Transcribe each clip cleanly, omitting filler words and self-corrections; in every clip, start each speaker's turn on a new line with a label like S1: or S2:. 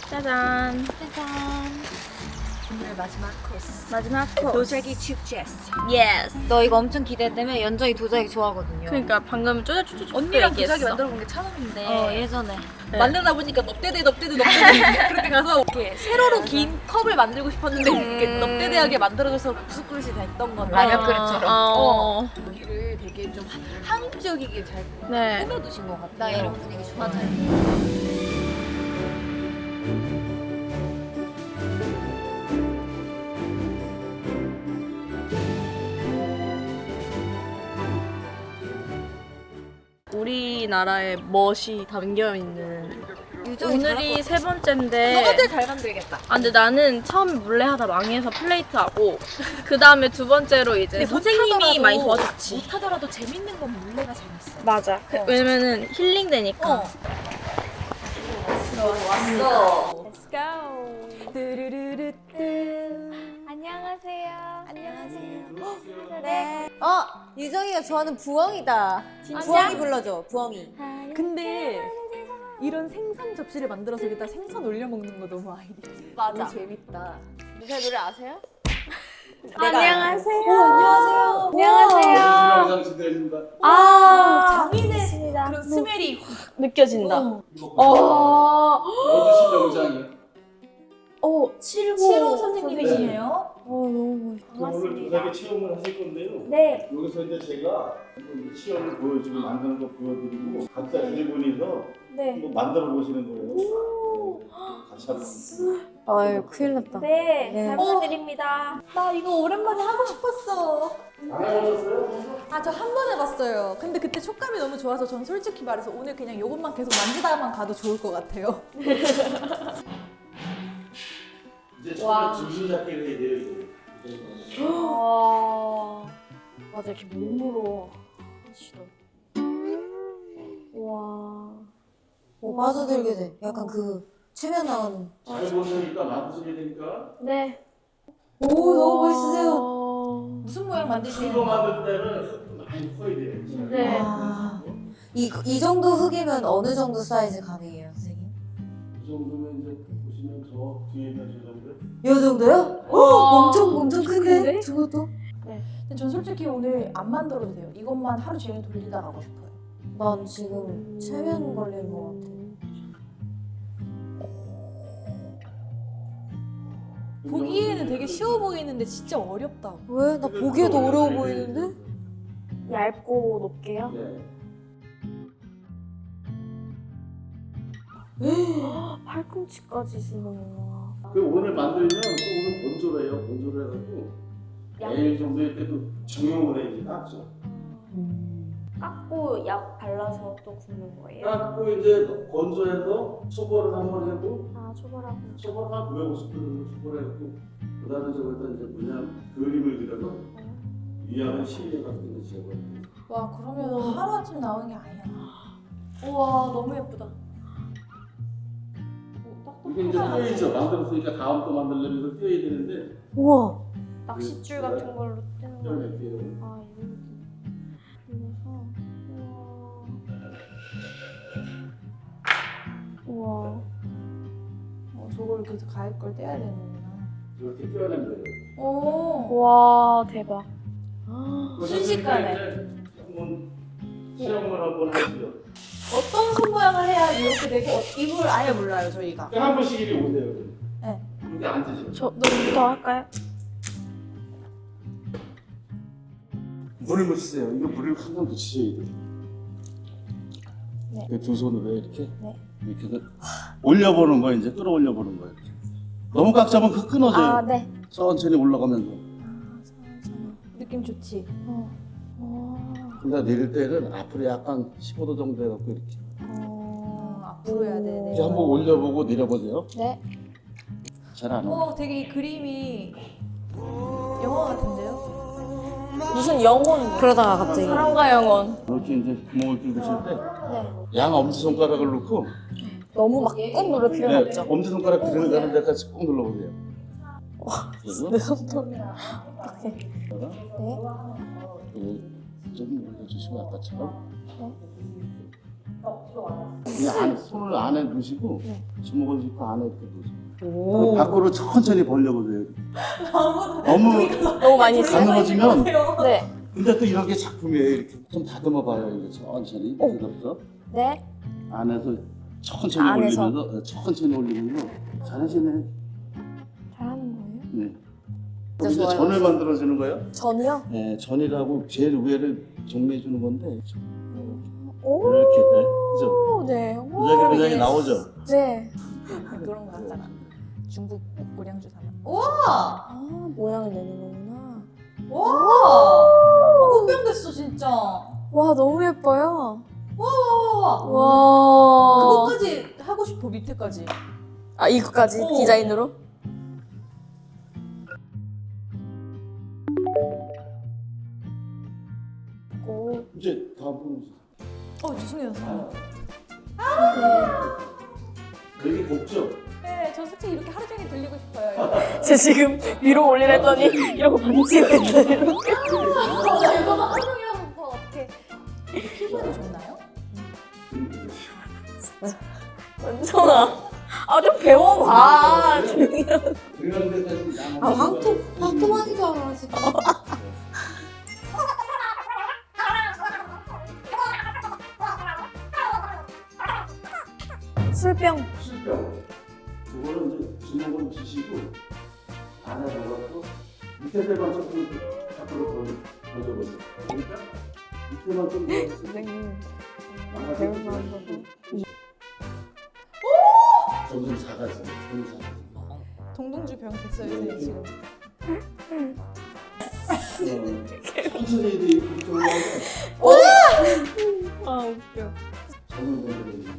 S1: 짜잔.
S2: 오늘 마지막 코스.
S1: 마지막 코스.
S2: 도자기 축제.
S1: 예스.
S3: 너 이거 엄청 기대되면 연정이 도자기 좋아하거든요.
S1: 그러니까 방금 쪼쪼쪼쪼
S2: 언니랑
S1: 얘기했어.
S2: 도자기 만들어 본 게 처음인데
S3: 예전에.
S1: 네.
S2: 만들다 보니까 넙대대 그렇게 가서 이렇게 세로로 긴 컵을 만들고 싶었는데 이렇게 넙대대하게 만들어져서 국수그릇이 됐던 건데
S3: 라면 그릇처럼.
S2: 여기를 되게 좀 한국적이게 잘
S1: 네.
S2: 꾸며두신 것 같아요.
S3: 나 이런 분위기 좋아.
S2: 맞아요.
S1: 우리나라의 멋이 담겨 있는.
S3: 유정이
S1: 오늘이 세 번째인데.
S2: 너가 제일 잘 만들겠다.
S1: 아 근데 나는 처음에 물레 하다 망해서 플레이트 하고 그 다음에 두 번째로 이제
S2: 근데
S1: 선생님이
S2: 못하더라도-
S1: 많이 도와줬지.
S2: 못하더라도 재밌는 건 물레가 재밌어.
S1: 맞아. 왜냐면은 힐링 되니까.
S2: 왔어.
S1: Let's go.
S2: 뚜루루루뚜.
S3: 안녕하세요. 안녕하세요. 네. 유정이가 좋아하는 부엉이다. 부엉이 불러줘. 부엉이.
S2: 근데 이런 생선 접시를 만들어서 여기다 생선 올려 먹는 거 너무 아이디어.
S3: 맞아.
S2: 너무 재밌다.
S1: 제 노래 아세요?
S3: 안녕하세요.
S2: 안녕하세요.
S3: 안녕하세요.
S4: 장시대입니다.
S2: 장인의 그런 스멜이
S1: 느껴진다.
S4: 어디신 영장이요?
S2: 칠호 선생님이시네요.
S3: 너무
S4: 오늘 도자기 체험을 하실 건데요.
S3: 네.
S4: 여기서 이제 제가 이제 체험을 보여주고 만드는 거 보여드리고 각자 일본에서
S3: 네.
S4: 한번 만들어 보시는 거예요. 네, 같이 한번.
S3: 아유, 큰일 났다.
S1: 네.
S3: 네.
S1: 잘 부탁드립니다.
S2: 나 이거 오랜만에 하고 싶었어.
S4: 안 해보셨어요?
S2: 아, 저 한 번 해봤어요. 근데 그때 촉감이 너무 좋아서 전 솔직히 말해서 오늘 그냥 이것만 계속 만지다만 가도 좋을 것 같아요.
S4: 이제 처음에 줄줄 잡기를 해야 돼요. 이제.
S1: 와. 맞아 이렇게 몸으로 하시더. 와.
S3: 빠져들게 돼. 약간 그 최면 나오는.
S4: 잘 보시니까 만드시게 되니까
S1: 네.
S3: 오, 너무 멋있으세요.
S2: 무슨 모양
S4: 큰
S2: 만드시는
S4: 거 만들 때는 흙도 많이 퍼야 돼요.
S1: 네.
S3: 아. 이 정도 흙이면 어느 정도 사이즈 가능해요, 선생님?
S4: 이 정도면 이제 보시면 저 뒤에 있는 저 정도.
S3: 이 정도요? 엄청 큰데? 저것도?
S2: 근데 전 솔직히 오늘 안 만들어도 돼요. 이것만 하루 종일 돌리다 가고 싶어요.
S3: 난 지금 최면 걸리는 것 같아.
S2: 보기에는 되게 쉬워 보이는데 진짜 어렵다.
S3: 왜? 나 보기에도 어려워 보이는데?
S1: 얇고 높게요?
S4: 네.
S1: 팔꿈치까지 쓰는구나.
S4: 그 오늘 만들면 또 오늘 건조를 해요. 건조를 해가지고 내일 정도 이렇게 또 증용을 해 이제 깎죠.
S1: 깎고 약 발라서 또 굽는 거예요?
S4: 깎고 이제 건조해서 초벌을 한번 해도
S1: 아 초벌하고.
S4: 초벌 한 950도 정도 초벌해갖고 그다음에 저기다 이제 그냥 그림을 그려서 위안을 실려 같은 거 지어버려요.
S2: 와, 그러면 하루아침에 나오는 게 아니야. 우와, 너무 예쁘다.
S4: 이게 이제 떼이죠. 만들었으니까 다음 또 만들려면 이걸 떼야 되는데
S3: 우와.
S1: 낚싯줄 같은 걸로 뜨는 거.
S4: 떼어낼게요.
S1: 아 이렇게. 우와.
S2: 저걸 이렇게 가입 걸 떼야 되는구나.
S4: 이렇게 떼어내면 돼요.
S2: 오.
S1: 와 대박.
S2: 순식간에.
S4: 한번 시험을 한번 하시죠.
S2: 어떤 손 모양을 해야 이렇게 되고 이걸 아예 몰라요, 저희가.
S4: 한 번씩 이리 오세요.
S2: 네.
S4: 여기 앉으세요.
S1: 저 너부터 할까요?
S4: 물을 묻히세요. 이거 물을 항상 묻히셔야 돼요.
S1: 네.
S4: 그 두 손으로 이렇게
S1: 네.
S4: 이렇게 해서 올려보는 거예요. 이제 끌어올려보는 거예요. 이렇게. 너무 꽉 잡으면 흙 끊어져요.
S1: 아 네.
S4: 천천히 올라가면서.
S2: 느낌 좋지?
S4: 근데 내릴 때는 앞으로 약간 15도 정도 해갖고 이렇게.
S2: 앞으로 해야 되네.
S4: 이제 한번 올려보고 내려보세요.
S1: 네.
S4: 잘 안 와.
S2: 되게 이 그림이 영화 같은데요?
S1: 무슨 영혼?
S3: 그러다가 갑자기.
S1: 사랑과 영혼.
S4: 이렇게 이제 구멍을 뚫으실 때 양 엄지손가락을 놓고
S1: 너무 막 꾹 누를 필요는 없죠.
S4: 엄지손가락 들어가는 데까지 꾹 눌러보세요. 그래서
S1: 내 손톱.
S4: 좀 올려주시고 아까처럼 그냥 손을 안에 넣으시고 주먹을 짚고 안에 이렇게 넣으시고
S3: 오.
S4: 밖으로 천천히 벌려보세요. 너무
S3: 너무 많이 했어요?
S4: 가늘어지면
S3: 네.
S4: 근데 또 이런 게 작품이에요. 이렇게 좀 다듬어봐요. 이거 천천히 부드럽죠.
S3: 네.
S4: 안에서 천천히
S3: 안에서.
S4: 올리면서 천천히 올리면서 잘하시네.
S3: 잘하는 거예요?
S4: 네.
S3: 진짜
S4: 이제
S3: 좋아요.
S4: 전을 만들어주는 거예요?
S3: 전이요?
S4: 네, 전이라고 제일 위에를 정리해 주는 건데
S3: 오.
S4: 이렇게 그죠?
S3: 네.
S4: 무작위 나오죠.
S3: 네.
S2: 그런 거 같잖아. 중국 고량주 사면.
S3: 아, 모양을 내는 거구나.
S2: 와! 꽃병 됐어 진짜.
S3: 와, 너무 예뻐요.
S2: 와!
S3: 와.
S2: 그거까지 하고 싶어 밑에까지.
S3: 아, 이거까지
S2: 오.
S3: 디자인으로? 오.
S4: 이제 다음 분
S2: 죄송해요.
S4: 여기 곱죠?
S2: 네, 저 솔직히 이렇게 하루 종일 들리고 싶어요.
S3: 제 지금 위로 올리랬더니 이러고 만지고 있어요. 이렇게.
S2: 나 이거 하루 종일 하고 싶어. 어떻게 피부에도 좋나요?
S3: 원천아. 아, 좀 배워봐. 조용히 하고.
S4: 들어가는 데까지
S3: 아, 황토만인 줄 알아, 지금. 술병.
S4: 술병. 그거는 이제 주먹을 쥐시고 안에 넣어서 밑에 대만 조금 밖으로 던져보세요. 그러니까 밑에만 좀 넣어주세요.
S3: 선생님.
S4: 배운 마음으로. 점점 작아지네. 점점 작아지네.
S2: 동동주 병 됐어요, 선생님 지금.
S4: 천천히 이제 이쪽으로 하면
S3: 아, 웃겨.
S4: 점을 건드려요.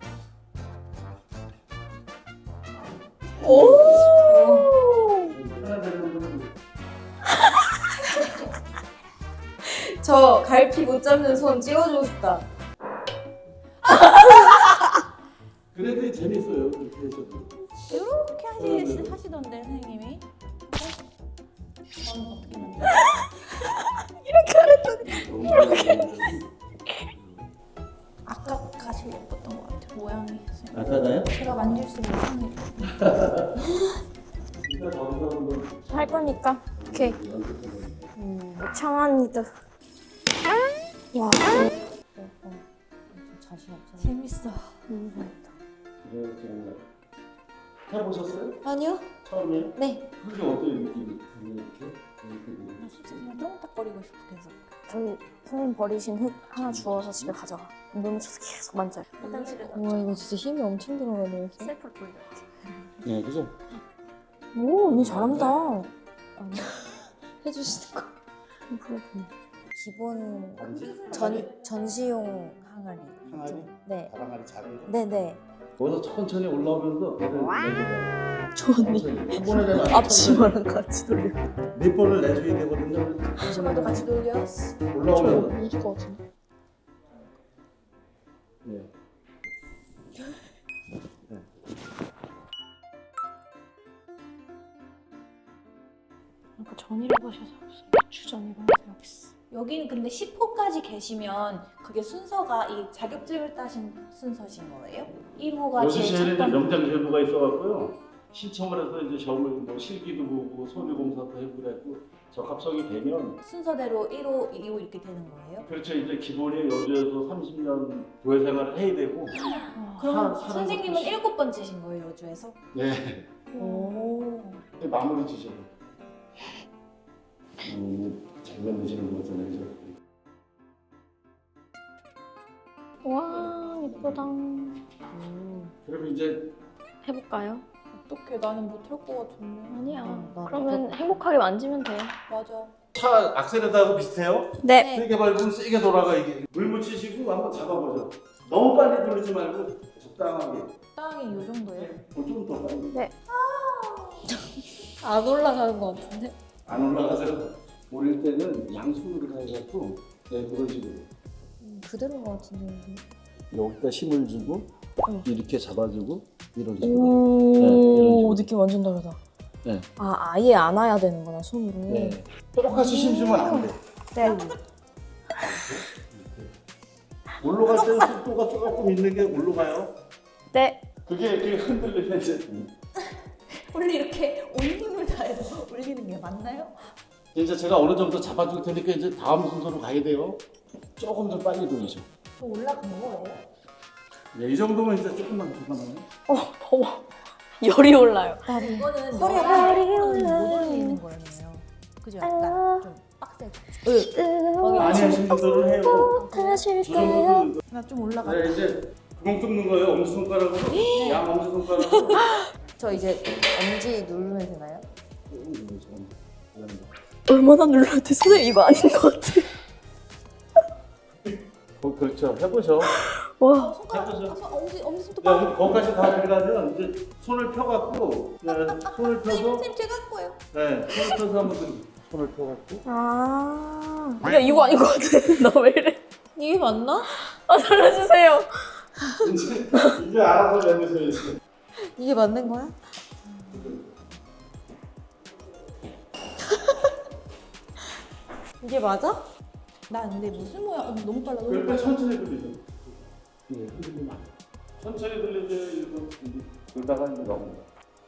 S3: 오!
S4: 하나 되는
S3: 저 갈피 못 잡는 손 찍어주고 싶다.
S4: 그래도 재밌어요. 그렇게 해서도.
S2: 이렇게 하시던데 선생님이. 저는 어떻게 만들어요? 아까가 제일 예뻤던 것 같아요. 모양이. 선생님.
S4: 아까가요?
S2: 제가 만질수록 이상해요.
S4: 이따 거기서 한번
S3: 할 거니까. 오케이. 청아니도. 와. 자신 없어.
S2: 재밌어.
S4: 이렇게 해보셨어요?
S3: 아니요?
S4: 처음이에요?
S3: 네.
S4: 그게 어떤 느낌이 이렇게?
S2: 나 진짜 그냥 똥딱거리고 싶어 계속.
S3: 저기 선생님 버리신 흙 하나 주워서 집에 가져가. 눈 쳐서 계속 만져요.
S2: 화장실에
S3: 와, 이거 진짜 힘이 엄청 들어가네, 이렇게.
S2: 셀프를 돌렸지.
S4: 네, 그죠?
S3: 오, 언니 잘한다. 해주시는 거. 기본 전시용 항아리.
S4: 항아리?
S3: 네.
S4: 바람알이 작은 거?
S3: 네네.
S4: 거기서 천천히 올라오면서 배를 내줘요.
S3: 저 언니.
S4: 한 번에 내가
S3: 앞치마랑 같이 돌려.
S4: 네 번을 내줘야 되거든요.
S2: 앞치마도 같이 돌려.
S4: 올라오면
S3: 이길 것 같은데.
S4: 네.
S3: 아까 전이라고 하셔서 주전이라고 생각했어.
S2: 여기는 근데 10호까지 계시면 그게 순서가 이 자격증을 따신 순서신 거예요? 1호가
S4: 여기
S2: 제일
S4: 시에는
S2: 첫 번째.
S4: 명장 제도가 있어갖고요. 신청을 해서 이제 시험을 뭐 실기도 보고 소리 검사도 해보고 그랬고 적합성이 되면
S2: 순서대로 1호, 2호 이렇게 되는 거예요?
S4: 그렇죠. 이제 기본이 여주에서 30년 교회 생활을 해야 되고.
S2: 그럼
S4: 사람
S2: 선생님은
S4: 것도
S2: 7번째신 거예요, 여주에서?
S4: 네.
S2: 오.
S4: 마무리 지셔도. 잘 만드시는 거잖아요. 그죠?
S3: 와, 예쁘다.
S4: 그럼 이제
S3: 해볼까요?
S2: 어떡해, 나는 못할 것 같은데.
S3: 아니야. 그러면 행복하게 만지면 돼요.
S2: 맞아.
S4: 차 악셀에다하고 비슷해요?
S3: 네.
S4: 세게 밟으면 세게 돌아가 이게. 물 묻히시고 한번 잡아보죠. 너무 빨리 돌리지 말고 적당하게.
S2: 땅이 요 정도예요?
S4: 좀 더 빨리.
S3: 안 올라가는 것 같은데?
S4: 안 올라가서 올릴 때는 양손으로 해갖고 네, 그런 식으로.
S3: 그대로인 것 같은데.
S4: 여기다 힘을 주고 이렇게 잡아주고 이런 식으로.
S3: 오,
S4: 네, 이런 식으로.
S3: 느낌 완전 다르다.
S4: 네.
S3: 아, 아예 안 와야 되는구나, 손으로.
S4: 네. 똑같이 힘 주면 안 돼.
S3: 네.
S4: 올라갈 때는 속도가 조금 있는 게 올라가요.
S1: 네.
S4: 그게 이렇게 흔들리면 이제
S2: 원래 이렇게 온 힘을 다해서 올리는 게 맞나요?
S4: 이제 제가 어느 정도 잡아줄 테니까 이제 다음 순서로 가야 돼요. 조금 더 빨리 돌리죠.
S2: 저 올라간 거예요?
S4: 네, 이 정도면 이제 조금만 잠깐만요.
S1: 더워. 열이 올라요.
S2: 이거는
S3: 허리가
S2: 못 올리는 거예요. 그죠? 약간 좀 빡세죠?
S4: 많이 하신 분들은 해요.
S1: 하실까요?
S2: 나 좀 올라가.
S4: 네, 이제 구멍 뚫는 거예요. 엄지손가락으로. 양 엄지손가락으로.
S3: 저 이제 엄지 누르면 되나요?
S1: 얼마나 눌러도 선생님 이거 아닌 것 같아.
S4: 그렇죠. 해보죠.
S1: 와.
S4: 해보죠.
S2: 엄지 손톱
S4: 야, 거기까지 다 들어가면 이제 손을 펴갖고 네, 손을 펴서
S2: 선생님 제가 할 거예요.
S4: 네, 손을 펴서 한번 손을 펴갖고
S1: 아. 야 이거 아닌 것 같아. 나 왜 이래?
S3: 이게 맞나?
S1: 아 살려주세요.
S4: 이제 알아서 내놓으셔야지.
S3: 이게 맞는 거야? 이게 맞아?
S2: 나 근데 무슨 모양? 너무 빨라. 너무
S4: 그럴 때
S2: 빨라.
S4: 천천히 돌리죠. 네, 흔들리면 안 돼. 천천히 돌리죠. 이거 돌다가 이제 넘어가.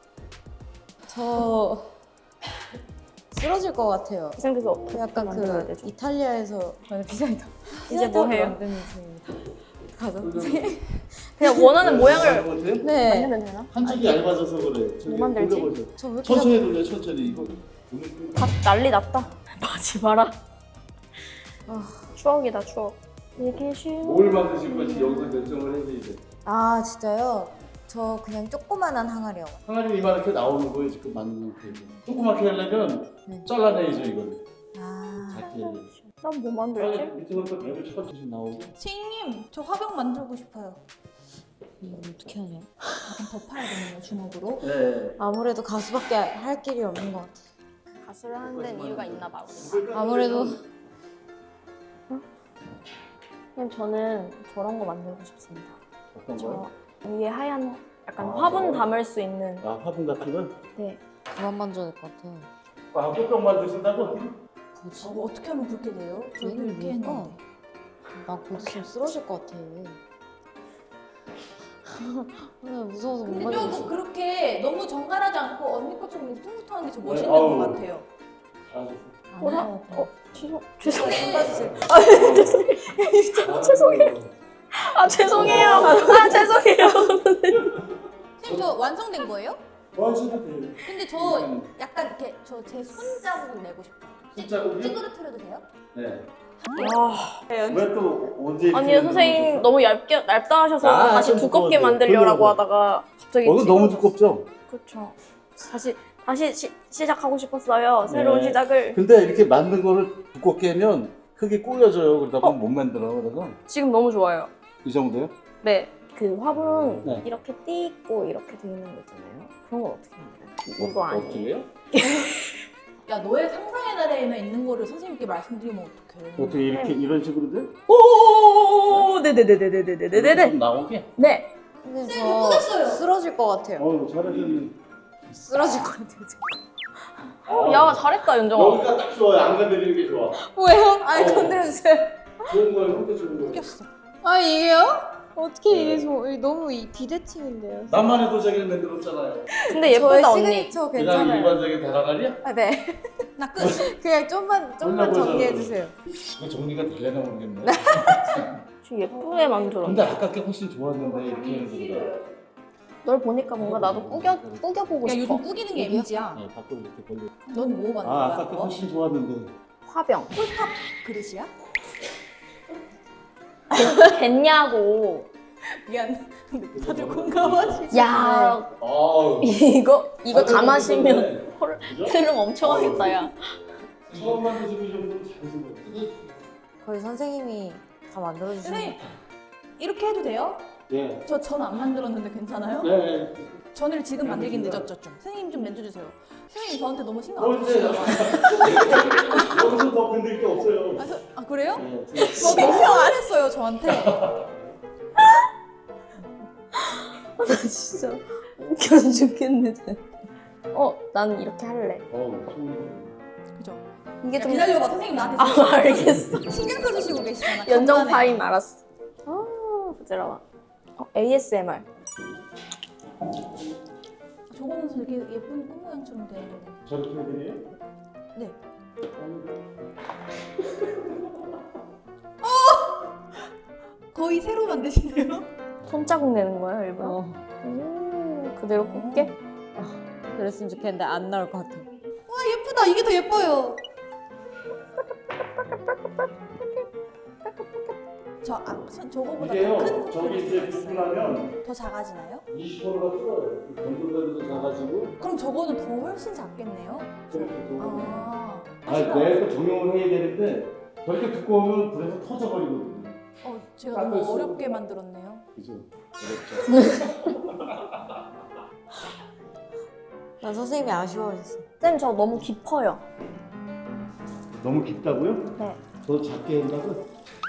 S3: 저 쓰러질 것 같아요.
S1: 기생돼서 어떻게
S3: 약간
S1: 만들어야
S3: 그
S1: 되죠?
S3: 이탈리아에서 비사이다.
S1: 이제 뭐 해요?
S3: 만드는 중입니다. 가자.
S1: 그냥 원하는 모양을
S3: 네.
S1: 만들면 되나?
S4: 한쪽이 얇아져서 그래. 저기
S1: 만들지?
S4: 돌려보죠.
S3: 저 왜 이렇게
S4: 천천히 돌려, 천천히. 이거
S1: 다 난리 났다. 하지 마라.
S3: 아.
S1: 추억이다 추억. 이게 쉬운.
S4: 뭘 만드실 건지 여기서 결정을 해야 돼 이제.
S3: 아 진짜요? 저 그냥 조그만한 항아리요.
S4: 항아리 이만하게 나오는 거예요 지금 만드는 거. 조그맣게 하려면
S3: 네.
S4: 잘라내야죠 이거를.
S3: 아
S4: 작게 하려면.
S1: 난 뭐 만들지?
S4: 밑에부터 배를 천천히 나오고.
S2: 선생님, 저 화병 만들고 싶어요.
S3: 이거 어떻게 하냐?
S2: 약간 더 파야 되네요, 주먹으로.
S4: 네.
S3: 아무래도 가수밖에 할 길이 없는 것 같아.
S1: 가수를 하는 데는 이유가 있나 봐.
S3: 아무래도
S1: 그냥 저는 저런 거 만들고 싶습니다.
S4: 어떤
S1: 저
S4: 거?
S1: 위에 하얀 약간
S4: 아,
S1: 화분
S4: 저거?
S1: 담을 수 있는.
S4: 아 화분 같은 거?
S1: 네.
S3: 그만 만져야 될 것 같아.
S4: 아 꽃병 만드신다고?
S3: 뭐지?
S2: 어떻게 하면 그렇게 돼요? 저도
S3: 얘는
S2: 이렇게
S3: 뭘까?
S2: 했는데.
S3: 나 곧 있으면 쓰러질 것 같아. 무서워서 못
S2: 근데
S3: 만지겠어.
S2: 좀 그렇게 너무 정갈하지 않고 언니 것처럼 퉁퉁하는 게 저 멋있는
S4: 아우.
S2: 것 같아요.
S4: 알겠어.
S1: 죄송해요.
S4: 아,
S1: 죄송해요. 아 죄송해요. 아 죄송해요.
S2: 선생님 저 완성된 거예요?
S4: 완성도 돼요.
S2: 근데 저 약간 이렇게 저 제 손자국을 내고 싶어요.
S4: 손자국이요?
S2: 찌그러뜨려도 돼요?
S4: 네.
S1: 아,
S4: 왜 또 언제?
S1: 아니 선생님 너무 얇다 하셔서
S4: 아,
S1: 다시
S4: 좀
S1: 두껍게
S4: 두꺼워요.
S1: 만들려고
S4: 그러려고.
S1: 하다가 갑자기
S4: 너무
S1: 찌그러졌어요.
S4: 두껍죠?
S1: 그렇죠. 다시 시작하고 싶었어요. 새로운
S4: 네.
S1: 시작을.
S4: 근데 이렇게 만든 거를 두껍게 하면 크게 꼬여져요. 그러다 보면 못 만들어. 그래서
S1: 지금 너무 좋아요.
S4: 이 정도요?
S1: 네. 그 화분
S4: 네.
S1: 이렇게 띠 있고 이렇게 돼 있는 거 있잖아요. 그런 건 어떻게 만들어요? 이거 아니에요.
S4: 어떻게요?
S2: 야 너의 상상의 나라에만 있는 거를 선생님께 말씀드리면 어떡해.
S4: 어떻게 이렇게 이런 식으로 돼?
S1: 오, 네네네네네네네네네.
S4: 좀 나오게?
S1: 네.
S3: 근데
S2: 네,
S3: 저
S2: 뿌렸어요.
S3: 쓰러질 것 같아요.
S4: 어우 잘하셨네.
S3: 쓰러질 것 같아요. 지금.
S1: 야 잘했다 윤정아.
S4: 여기가 딱 좋아요. 안 건드리는 게 좋아.
S3: 뭐예요? 아니
S4: 어.
S3: 건드려주세요.
S4: 좋은 거예요. 혼자 좋은 거예요.
S2: 웃겼어.
S3: 아 이게요? 어떻게
S4: 네.
S3: 이게 너무 비대칭인데요.
S4: 나만의 도자기를 만들었잖아요.
S1: 근데
S3: 저의
S1: 예쁘다 언니.
S3: 시그니처
S4: 그냥
S3: 괜찮아요.
S4: 일반적인 다라갈이야?
S3: 아, 네.
S2: 나 끝.
S3: 그냥 좀만
S4: 올려보자,
S3: 정리해 주세요.
S4: 이거 정리가 되려나 모르겠네.
S1: 지금 예쁘게 만들어.
S4: 근데 아까 게 훨씬 좋았는데 이렇게 하는 거보다.
S1: 널 보니까 뭔가 나도 꾸겨보고
S2: 야
S1: 싶어.
S2: 요즘 꾸기는 게 MG야.
S4: 네, 밖으로 이렇게 벌려.
S2: 넌 뭐 만든
S4: 아
S2: 거야?
S4: 아까 게
S2: 그거?
S4: 훨씬 좋았는데.
S1: 화병.
S2: 폴팝 그릇이야?
S1: 겠냐고.
S2: 미안. 근데 다들 공감하시지?
S1: 야
S4: 아우.
S1: 이거 다 마시면
S4: 그죠?
S1: 트름 엄청 하겠다 야.
S4: 처음 만드시고 이 정도면 잘하신 거예요.
S3: 거의 선생님이 다 만들어 주시는.
S2: 선생님 이렇게 해도 돼요?
S4: 네.
S2: 저 전 안 만들었는데 괜찮아요?
S4: 네.
S2: 전을 지금 만들긴 늦었죠 좀. 선생님 좀 만져주세요. 선생님 저한테 너무 신경 안
S4: 뭘
S2: 쓰시나
S4: 이제
S2: 봐요.
S4: 여기서 더 건들 게 없어요.
S2: 아 그래요?
S4: 네.
S2: 저 신경 안 했어요 저한테.
S1: 나 진짜 웃겨 죽겠네. 난 이렇게 할래.
S2: 그죠?
S1: 이게
S2: 야,
S1: 좀
S2: 기다려봐 선생님 나한테
S1: 아 알겠어.
S2: 신경 써주시고 계시잖아.
S1: 연정
S2: 간단해.
S1: 파임 알았어. 부끄러워. ASMR.
S2: 저거는 되게 예쁜 꽃 모양처럼 되어 있는데.
S4: 저렇게 해드려요?
S2: 네. 거의 새로 만드시네요.
S1: 손자국 내는 거예요, 일부러? 그대로 꽂게?
S3: 그랬으면 좋겠는데 안 나올 것 같아.
S2: 와 예쁘다. 이게 더 예뻐요. 저거보다
S4: 이게요,
S2: 더 큰
S4: 저기 이제 붓고 나면
S2: 더 작아지나요?
S4: 20%가 줄어요. 건조대도 작아지고.
S2: 그럼 저거는 더 훨씬 작겠네요? 아,
S4: 내가 또 적용을 해야 되는데 저렇게 두꺼우면 불에서 터져버리거든요.
S2: 제가 너무 어렵게 만들었네요.
S4: 그죠? 어렵죠.
S3: 난 선생님이 아쉬워졌어.
S1: 쌤, 저 너무 깊어요.
S4: 너무 깊다고요?
S1: 네.
S4: 더 작게 한다고?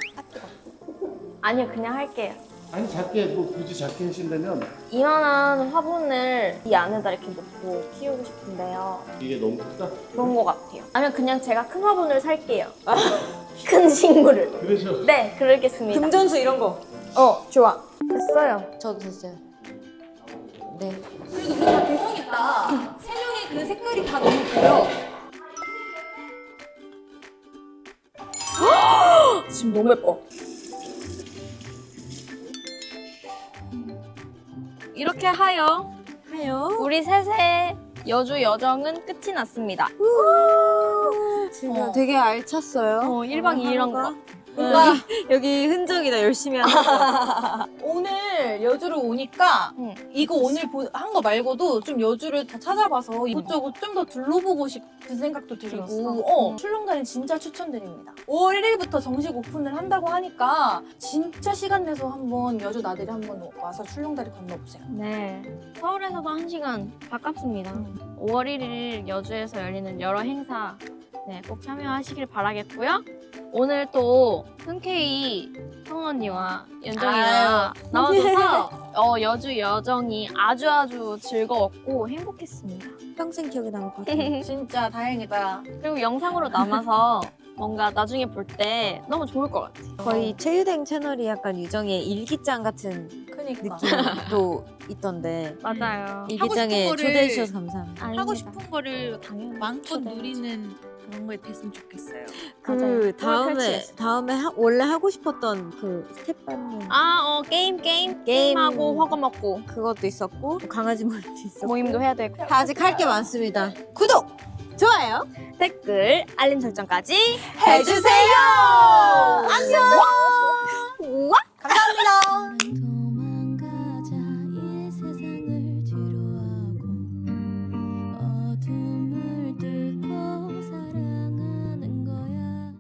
S1: 아니요, 그냥 할게요.
S4: 아니 작게 뭐 굳이 작게 하신다면
S1: 이만한 화분을 이 안에다 이렇게 놓고 키우고 싶은데요.
S4: 이게 너무 크다?
S1: 그런 것 같아요. 아니면 그냥 제가 큰 화분을 살게요. 큰 식물을.
S4: 그러죠.
S1: 네, 그러겠습니다.
S3: 금전수 이런 거.
S1: 좋아. 됐어요.
S3: 저도 됐어요. 네.
S2: 그래도 우리 다 개성 있다. 세 명의 그 색깔이 다 너무 보여.
S1: 지금 너무 예뻐. 이렇게 하여 우리 셋의 여주 여정은 끝이 났습니다.
S3: 지금 되게 알찼어요.
S1: 1박 2일 한 거.
S3: 여기 흔적이다. 열심히 하는 거.
S2: 오늘 여주를 오니까
S1: 응.
S2: 이거 오늘 한 거 말고도 좀 여주를 다 찾아봐서 이곳저곳 좀 더 둘러보고 싶은 생각도 들고 출렁다리 진짜 추천드립니다. 5월 1일부터 정식 오픈을 한다고 하니까 진짜 시간 내서 한번 여주 나들이 한번 와서 출렁다리 건너보세요.
S1: 네. 서울에서도 1시간 가깝습니다. 5월 1일 여주에서 열리는 여러 행사 꼭 참여하시길 바라겠고요. 오늘 또 흔쾌히 성우 언니와 연정이가 나와줘서 여주 여정이 아주 즐거웠고 행복했습니다.
S3: 평생 기억에 남을 것 같아요.
S2: 진짜 다행이다.
S1: 그리고 영상으로 남아서 뭔가 나중에 볼 때 너무 좋을 것 같아요.
S3: 거의 최유댕 채널이 약간 유정의 일기장 같은
S2: 그니까.
S3: 느낌도 있던데
S1: 맞아요.
S3: 일기장에
S2: 거를-
S3: 초대해 주셔서 감사합니다.
S2: 하고 싶은 거를
S1: 당연히
S2: 마음껏
S1: 초대해
S2: 누리는 그런 거 됐으면 좋겠어요.
S3: 그
S1: 맞아요.
S3: 다음에 원래 하고 싶었던 그 스텝 밟는
S1: 게임하고 허거 먹고
S3: 그것도 있었고 강아지 모임도 있었고
S1: 모임도 해야 되고
S3: 다 아직 할 게 많습니다. 구독, 좋아요
S1: 댓글 알림 설정까지
S3: 해주세요. 안녕.